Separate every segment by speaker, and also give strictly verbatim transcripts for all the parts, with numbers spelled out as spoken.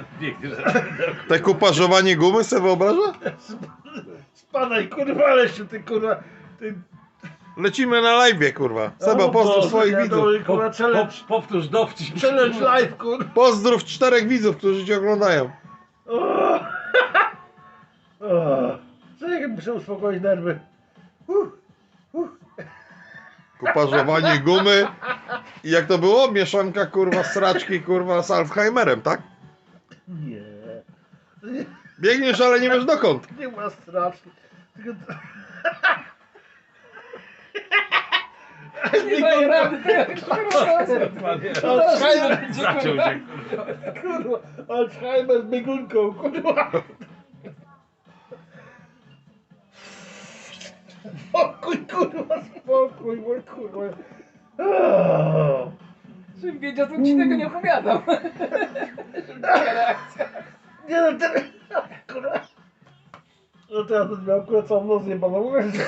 Speaker 1: Biegnie, że...
Speaker 2: Te kuparzowanie gumy sobie wyobraża?
Speaker 3: Spadaj, kurwa, ale się ty, kurwa, ty...
Speaker 2: Lecimy na live, kurwa. Seba,
Speaker 3: O
Speaker 2: pozdrów
Speaker 3: Boże,
Speaker 2: swoich
Speaker 3: ja
Speaker 2: widzów.
Speaker 3: dole,
Speaker 1: Po,
Speaker 3: kurwa,
Speaker 1: po,
Speaker 3: challenge,
Speaker 1: powtórz dowcip.
Speaker 3: challenge live, kurwa.
Speaker 2: Pozdrów czterech widzów, którzy cię oglądają.
Speaker 3: O! O! Czekaj, muszę uspokoić nerwy. Uh, uh.
Speaker 2: Kuparzowanie gumy. I jak to było? Mieszanka, kurwa, sraczki, kurwa, z Alzheimerem, tak?
Speaker 3: Nie.
Speaker 2: Biegniesz, ale nie wiesz dokąd.
Speaker 3: Nie ma strasznie. Tylko...
Speaker 4: Nie daję rady tego.
Speaker 3: Alzheimer,
Speaker 1: Zaciął się,
Speaker 3: kurwa, Alzheimer z biegunką, kurwa. Spokój, kurwa, spokój, mój kurwa. O!
Speaker 4: Żebym wiedział, to ci tego nie opowiadam. Żeby taka reakcja.
Speaker 3: Nie no, ten... Kurwa. No teraz to miał akurat całą noc jebaną, mówię, że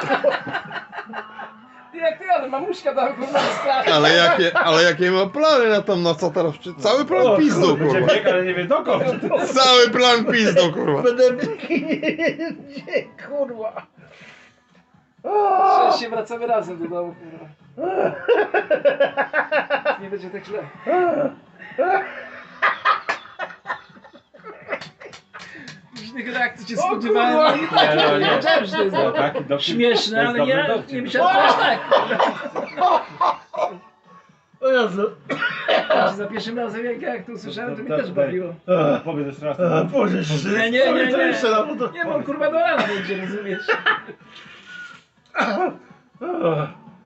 Speaker 4: Ty jak ty, ale mamuśka tam kurwa strasznie.
Speaker 2: Ale jakie, ale jakie ma plany na tą noc, a teraz czy- cały plan pizdą,
Speaker 1: Będzie
Speaker 2: kurwa.
Speaker 1: bieg, ale nie wie dokąd.
Speaker 2: Cały plan pizdą, kurwa.
Speaker 3: będę nie, kurwa.
Speaker 4: Cześć, się wracamy razem do domu, kurwa. Nie będzie tak źle. Różnych reakcji się
Speaker 3: O,
Speaker 4: spodziewałem.
Speaker 3: kurwa.
Speaker 4: Nie,
Speaker 1: Nie, no, nie.
Speaker 4: wiedziałem, że to jest
Speaker 1: No, taki dowcip-
Speaker 4: śmieszne,
Speaker 1: to jest
Speaker 4: ale
Speaker 1: dobry
Speaker 4: nie,
Speaker 1: dowcip.
Speaker 4: nie myślałem, że aż tak.
Speaker 3: O Jezu.
Speaker 4: Za pierwszym razem jak, jak to usłyszałem, to mnie
Speaker 1: To- to-
Speaker 4: też bawiło.
Speaker 3: A,
Speaker 1: Powiedz jeszcze raz.
Speaker 3: a, Boże, że...
Speaker 4: Nie, nie, nie,
Speaker 3: To
Speaker 4: nie.
Speaker 3: jeszcze raz, bo to...
Speaker 4: Nie, bo kurwa do rana będzie, rozumiesz?
Speaker 3: A,